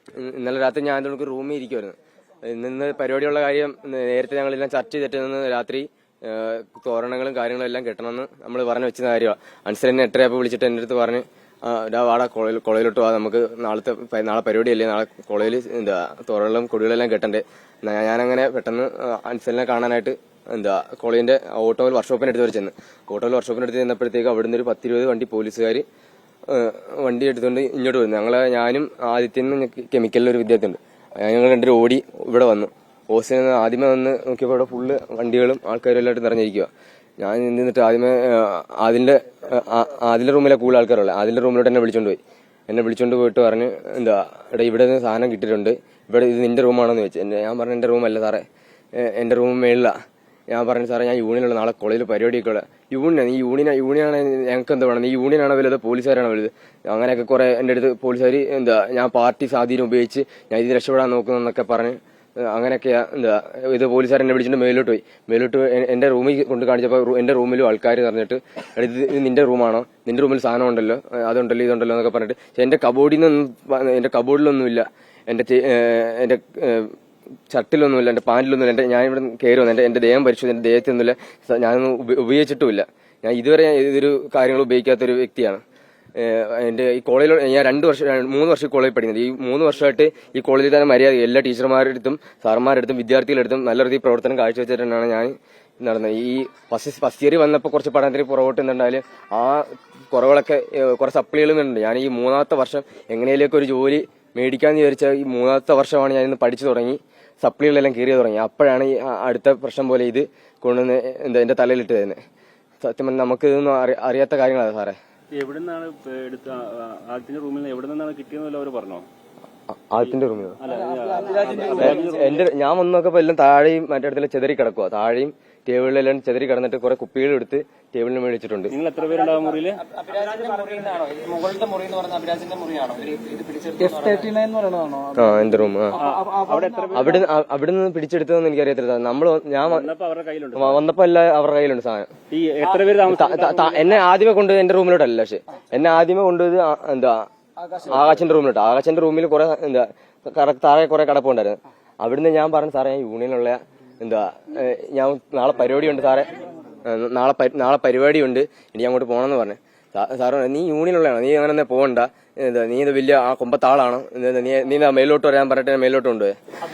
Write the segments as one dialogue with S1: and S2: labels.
S1: ഇന്നലെ രാത്രി ഞാൻ നമുക്ക് റൂമിൽ ഇരിക്കുമായിരുന്നു. ഇന്ന് പരിപാടിയുള്ള കാര്യം നേരത്തെ ഞങ്ങളെല്ലാം ചർച്ച ചെയ്തിട്ട് നിന്ന് രാത്രി തോരണങ്ങളും കാര്യങ്ങളും എല്ലാം കെട്ടണമെന്ന് നമ്മൾ പറഞ്ഞു വെച്ച കാര്യമാണ്. അൻസലിനെ 8:30 വിളിച്ചിട്ട് എൻ്റെ അടുത്ത് പറഞ്ഞ് വാടാ കോളേജിലോട്ട് വാ, നമുക്ക് നാളെ പരിപാടിയല്ലേ, നാളെ കോളേജിൽ തോരണങ്ങളും കൊടികളെല്ലാം കെട്ടണ്ടേ. ഞാനങ്ങനെ പെട്ടെന്ന് അൻസലിനെ കാണാനായിട്ട് കോളേജിന്റെ ഓട്ടോയിൽ വർക്ക്ഷോപ്പിനടുത്ത് വരെ ചെന്ന്. ഓട്ടോയിൽ വർക്ക്ഷോപ്പിനടുത്ത് ചെന്നപ്പോഴത്തേക്ക് അവിടുന്ന് ഒരു 10-20 വണ്ടി പോലീസുകാർ വണ്ടി എടുത്തുകൊണ്ട് ഇങ്ങോട്ട് വരുന്നു. ഞാനും ആദിത്യനും കെമിക്കലിലൊരു വിദ്യാർത്ഥിയുണ്ട്, ഞങ്ങൾ രണ്ടുപേരും ഓടി ഇവിടെ വന്നു. ഹോസ്റ്റലിൽ നിന്ന് ആദ്യമേ വന്ന് നോക്കിയപ്പോൾ ഇവിടെ ഫുള്ള് വണ്ടികളും ആൾക്കാരും എല്ലായിട്ട് നിറഞ്ഞിരിക്കുക. ഞാൻ നിന്നിട്ട് ആദ്യമേ ആദിന്റെ റൂമിലെ കൂടുതൽ ആൾക്കാരുള്ള ആദിന്റെ റൂമിലോട്ട് എന്നെ വിളിച്ചോണ്ട് പോയിട്ട് പറഞ്ഞ് എടാ ഇവിടെ നിന്ന് സാധനം കിട്ടിയിട്ടുണ്ട്, ഇവിടെ ഇത് നിന്റെ റൂമാണെന്ന് വെച്ച്. ഞാൻ പറഞ്ഞു എന്റെ റൂമല്ല സാറേ, എന്റെ റൂം മേളിലാ. ഞാൻ പറഞ്ഞു സാറേ ഞാൻ യൂണിയനുള്ള, നാളെ കോളേജിൽ പരിപാടിയൊക്കെ ഉള്ള യൂണിയനാണ്. യൂണിയനാണ് ഞങ്ങൾക്ക് എന്താ വേണം, ഈ യൂണിയനാണോ വലുത് പോലീസുകാരാണോ വലുത്? അങ്ങനെയൊക്കെ കുറെ എന്റെ അടുത്ത് പോലീസുകാർ ഞാൻ പാർട്ടി സ്വാധീനം ഉപയോഗിച്ച് ഞാൻ ഇത് രക്ഷപ്പെടാൻ നോക്കുന്നൊക്കെ പറഞ്ഞ് അങ്ങനെയൊക്കെയാ ഇത് പോലീസുകാർ എന്നെ വിളിച്ചിട്ട് മേലോട്ട് എന്റെ റൂമിൽ കൊണ്ട് കാണിച്ചപ്പോൾ എന്റെ റൂമിലും ആൾക്കാർ പറഞ്ഞിട്ട് ഇത് നിന്റെ റൂമാണോ, നിന്റെ റൂമിൽ സാധനം ഉണ്ടല്ലോ, അതുണ്ടല്ലോ ഇതുണ്ടല്ലോ എന്നൊക്കെ പറഞ്ഞിട്ട്. പക്ഷെ എന്റെ കബോർഡിലൊന്നുമില്ല, എന്റെ ഷർട്ടിലൊന്നുമില്ല, എന്റെ പാന്റിലൊന്നുമില്ല. ഞാൻ ഇവിടെ കയറി വന്നു, എന്റെ ദേഹം പരിശോധിച്ചു, എന്റെ ദേഹത്തൊന്നുമില്ല, ഞാനൊന്നും ഉപയോഗിച്ചിട്ടുമില്ല. ഞാൻ ഇതുവരെ ഇതൊരു കാര്യങ്ങൾ ഉപയോഗിക്കാത്തൊരു വ്യക്തിയാണ്. എന്റെ ഈ കോളേജിൽ ഞാൻ 3 വർഷം കോളേജിൽ പഠിക്കുന്നത്. ഈ 3 വർഷമായിട്ട് ഈ കോളേജിൽ തന്നെ മര്യാദ എല്ലാ ടീച്ചർമാരുടെ അടുത്തും സാർമാരുടെ അടുത്തും വിദ്യാർത്ഥികളുടെ അടുത്തും നല്ല രീതിയിൽ പ്രവർത്തനം കാഴ്ചവെച്ചിട്ടാണ് ഞാൻ നടന്നത്. ഈ ഫസ്റ്റ് ഇയർ വന്നപ്പോൾ കുറച്ച് പഠനത്തിന് പുറകോട്ട് നിന്നുണ്ടായാലും ആ കുറവുകളൊക്കെ കുറെ സപ്ലികളും ഉണ്ട്. ഞാൻ ഈ 3ാമത്തെ വർഷം എങ്ങനെയൊക്കെ ഒരു ജോലി മേടിക്കാന്ന് വിചാരിച്ച ഈ 3ാമത്തെ വർഷമാണ് ഞാൻ ഇന്ന് പഠിച്ചു തുടങ്ങി, സപ്ലികളെല്ലാം കീറി തുടങ്ങി. അപ്പോഴാണ് ഈ അടുത്ത പ്രശ്നം പോലെ ഇത് കൊണ്ടുവന്ന് എന്റെ തലയിലിട്ട് തരുന്നത്. സത്യം പറഞ്ഞാൽ നമുക്ക് ഇതൊന്നും അറിയാത്ത കാര്യങ്ങളാണ് സാറേ.
S2: എവിടുന്നാണ് ആദ്യത്തിന്റെ റൂമിൽ നിന്ന് എവിടെ നിന്നാണ് കിട്ടിയെന്നല്ലോ അവർ പറഞ്ഞോ?
S1: ആദ്യത്തിന്റെ റൂമിൽ ഞാൻ വന്ന് നോക്കപ്പോ എല്ലാം താഴെയും മറ്റേ അടുത്തെല്ലാം ചെതറി കിടക്കുക. താഴെയും ടേബിളിലെല്ലാം ചെതറി കിടന്നിട്ട് കുറെ കുപ്പികൾ എടുത്ത് ടേബിളിന് മേടിച്ചിട്ടുണ്ട്.
S2: നിങ്ങൾ എത്ര പേരുണ്ടാവും മുറിയില്?
S1: എന്റെ റൂം അവിടുന്ന് പിടിച്ചെടുത്തതെന്ന് എനിക്കറിയത്തില്ല. ഞാൻ വന്നപ്പോ എല്ലാം അവരുടെ കയ്യിലുണ്ട് സാധനം. എന്നെ ആദ്യമേ കൊണ്ടുപോയത് എന്റെ റൂമിലോട്ടല്ല, പക്ഷെ എന്നെ ആദ്യമേ കൊണ്ടുപോയത് ആകാശിന്റെ റൂമിലോട്ട്. ആകാശിന്റെ റൂമിൽ കുറെ താഴെ കുറെ കടപ്പുണ്ടായിരുന്നു. അവിടുന്ന് ഞാൻ പറഞ്ഞു സാറേ ഞാൻ യൂണിയനുള്ള ഞാൻ നാളെ പരിപാടിയുണ്ട് സാറേ, നാളെ പരിപാടിയുണ്ട്, ഇനി അങ്ങോട്ട് പോകണമെന്ന് പറഞ്ഞു. സാറ് നീ യൂണിയനുള്ളതാണോ, നീ അങ്ങനെ പോകണ്ട, നീ ഇത് വലിയ ആ കൊമ്പത്താളാണോ, നീ മേലോട്ട് വരാൻ പറഞ്ഞിട്ട് മേലോട്ട് കൊണ്ടുപോയി.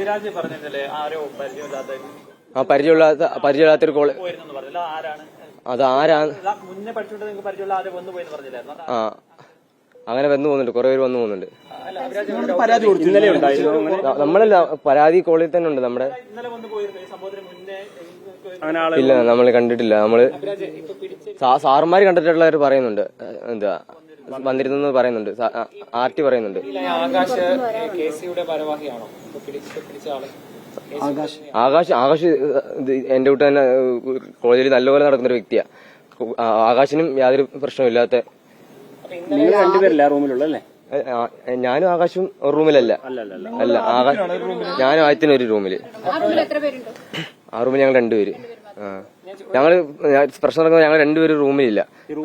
S1: ആ പരിചയമില്ലാത്തൊരു കോള് അത് ആരാണ്? ആ അങ്ങനെ വന്നു പോകുന്നുണ്ട്, കുറെ പേര് വന്നു പോകുന്നുണ്ട്. നമ്മളല്ല, പരാതി കോളേജിൽ തന്നെ ഉണ്ട് നമ്മുടെ. ഇല്ല നമ്മൾ കണ്ടിട്ടില്ല. നമ്മള് സാറുമാര് കണ്ടിട്ടുള്ളവർ പറയുന്നുണ്ട്, വന്നിരുന്നു പറയുന്നുണ്ട്, ആർടി പറയുന്നുണ്ട്. ആകാശ് എന്റെ വീട്ടിൽ തന്നെ കോളേജിൽ നല്ലപോലെ നടക്കുന്ന ഒരു വ്യക്തിയാ. ആകാശിനും യാതൊരു പ്രശ്നമില്ലാത്ത.
S2: നിങ്ങൾ രണ്ടുപേരല്ല റൂമിലുള്ളല്ലേ?
S1: ഞാനും ആകാശും ഒരു റൂമിലല്ല. അല്ല, ഞാനും ആദ്യത്തിന് ഒരു റൂമില്. ആ റൂമിൽ ഞങ്ങൾ 2 പേര്. ഞങ്ങള് പ്രശ്നം നടക്കുമ്പോൾ ഞങ്ങൾ 2 പേര് റൂമിലില്ല.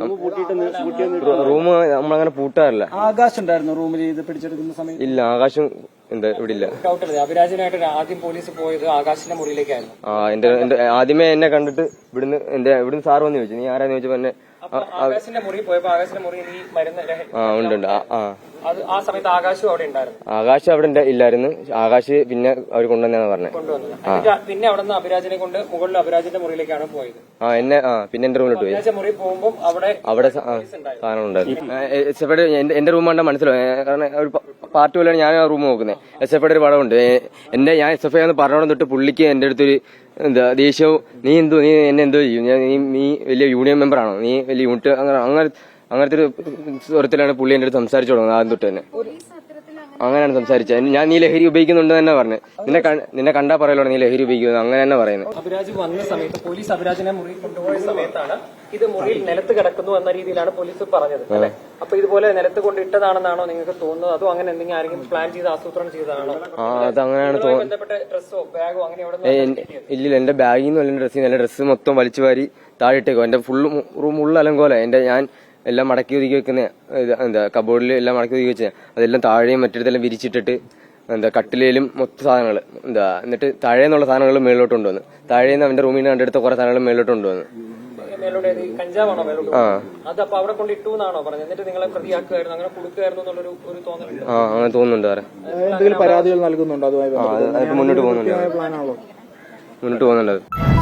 S1: റൂം നമ്മളങ്ങനെ പൂട്ടാറില്ല.
S3: ആകാശം ഉണ്ടായിരുന്നു റൂമിൽ ഇത് പിടിച്ചെടുക്കുന്ന സമയത്ത്?
S1: ഇല്ല, ആകാശം ഇവിടെ ഇല്ല.
S3: അഭിരാജനായിട്ട് ആദ്യം പോലീസ് പോയത് ആകാശിന്റെ മുറിയിലേക്കായിരുന്നു.
S1: എന്റെ ആദ്യമേ എന്നെ കണ്ടിട്ട് ഇവിടുന്ന് സാർ വന്ന് ചോദിച്ചു, നീ ആരാന്ന് ചോദിച്ചപ്പോ എന്നെ
S3: ആകാശിന്റെ മുറി പോയപ്പോ ആകാശിന്റെ മുറിയിൽ ഈ മരുന്ന്
S1: ഉണ്ട്.
S3: ആ സമയത്ത് ആകാശും അവിടെ ഉണ്ടായിരുന്നു.
S1: ആകാശ് അവിടെ ഇല്ലായിരുന്നു. ആകാശ് പിന്നെ അവർ കൊണ്ടുവന്നാന്ന് പറഞ്ഞത്.
S3: പിന്നെ അവിടെ നിന്ന് അഭിരാജിനെ കൊണ്ട് മുകളിൽ അഭിരാജിന്റെ മുറിയിലേക്കാണ് പോയത്.
S1: എന്നെ പിന്നെ എന്റെ റൂമിലോട്ട് പോയി.
S3: മുറി പോകുമ്പോൾ അവിടെ
S1: സാധനം ഉണ്ടായിരുന്നു. എന്റെ റൂം കണ്ടാൽ മനസ്സിലാവും, കാരണം ഒരു പാർട്ടി പോലെയാണ് ഞാൻ ആ റൂം നോക്കുന്നത്. SFI ഒരു പടമുണ്ട്. ഞാൻ SFI എന്ന് പറഞ്ഞോളം തൊട്ട് പുള്ളിക്ക് എന്റെ അടുത്തൊരു ദേഷ്യവും, നീ എന്നെ എന്തോ ചെയ്യും, നീ വലിയ യൂണിയൻ മെമ്പറാണോ, നീ വലിയ യൂണിറ്റ്, അങ്ങനത്തെ ഒരു സ്വരത്തിലാണ് പുള്ളി എന്റെ അടുത്ത് സംസാരിച്ചു തുടങ്ങുന്നത്. ആദ്യം തൊട്ട് തന്നെ അങ്ങനെയാണ് സംസാരിച്ചത്. ഞാൻ നീ ലഹരി ഉപയോഗിക്കുന്നുണ്ട് തന്നെ പറഞ്ഞു. നിന്നെ കണ്ടാ പറയല്ലോ നീ ലഹരി ഉപയോഗിക്കുന്നത്, അങ്ങനെ തന്നെ പറയുന്നത്.
S3: അഭിരാജ് വന്ന സമയത്ത് പോലീസ് അഭിരാജിനെ മുറി കൊണ്ടുപോയ സമയത്താണ് ഇത് മുറിയിൽ നിലത്ത് കിടക്കുന്നു എന്ന രീതിയിലാണ് പോലീസ് പറഞ്ഞത്, അല്ലെ? അപ്പൊ ഇതുപോലെ നിലത്ത് കൊണ്ടിട്ടതാണെന്നാണോ നിങ്ങൾക്ക് തോന്നുന്നത്, അതോ അങ്ങനെ എന്തെങ്കിലും ആരെങ്കിലും പ്ലാൻ ചെയ്ത് ആസൂത്രണം ചെയ്തതാണോ?
S1: അത് അങ്ങനെയാണ് തോന്നുന്നത്.
S3: ബന്ധപ്പെട്ട ഡ്രസ്സോ ബാഗോ അങ്ങനെ
S1: ഇല്ല, എന്റെ ബാഗിൽ നിന്ന് എന്റെ ഡ്രസ്സിൽ എന്റെ ഡ്രസ്സ് മൊത്തം വലിച്ചു വാരി താഴെട്ടേക്കോ. എന്റെ റൂം ഉള്ള അലങ്കോല. ഞാൻ എല്ലാം മടക്കി ഒതുക്കി വെക്കുന്ന കബോർഡിൽ എല്ലാം മടക്കി ഒതുക്കി വെച്ചാൽ അതെല്ലാം താഴെയും മറ്റിടത്തെല്ലാം വിരിച്ചിട്ടിട്ട് എന്താ കട്ടിലേലും മൊത്തം സാധനങ്ങൾ എന്താ എന്നിട്ട് താഴേന്നുള്ള സാധനങ്ങൾ മേളിലോട്ട് കൊണ്ടുവന്നു. താഴേന്ന് അവന്റെ റൂമിൽ നിന്ന് കണ്ടെടുത്ത കുറെ സാധനങ്ങൾ മേളിലോട്ട് കൊണ്ടുവന്നു.
S3: മേലോട്ട് കഞ്ചാവാണോ മേലോട്ട്? അത് അപ്പൊ അവിടെ കൊണ്ട് ഇട്ടു എന്നാണോ പറഞ്ഞത്? എന്നിട്ട് നിങ്ങളെ പ്രതിയാക്കുമായിരുന്നു, അങ്ങനെ കൊടുക്കുമായിരുന്നു എന്നുള്ളൊരു തോന്നലുണ്ട്.
S1: അങ്ങനെ തോന്നുന്നുണ്ട് സാറേ.
S4: എന്തെങ്കിലും പരാതികൾ നൽകുന്നുണ്ടോ? അതുമായി
S1: മുന്നോട്ട് പോകുന്നുണ്ട്.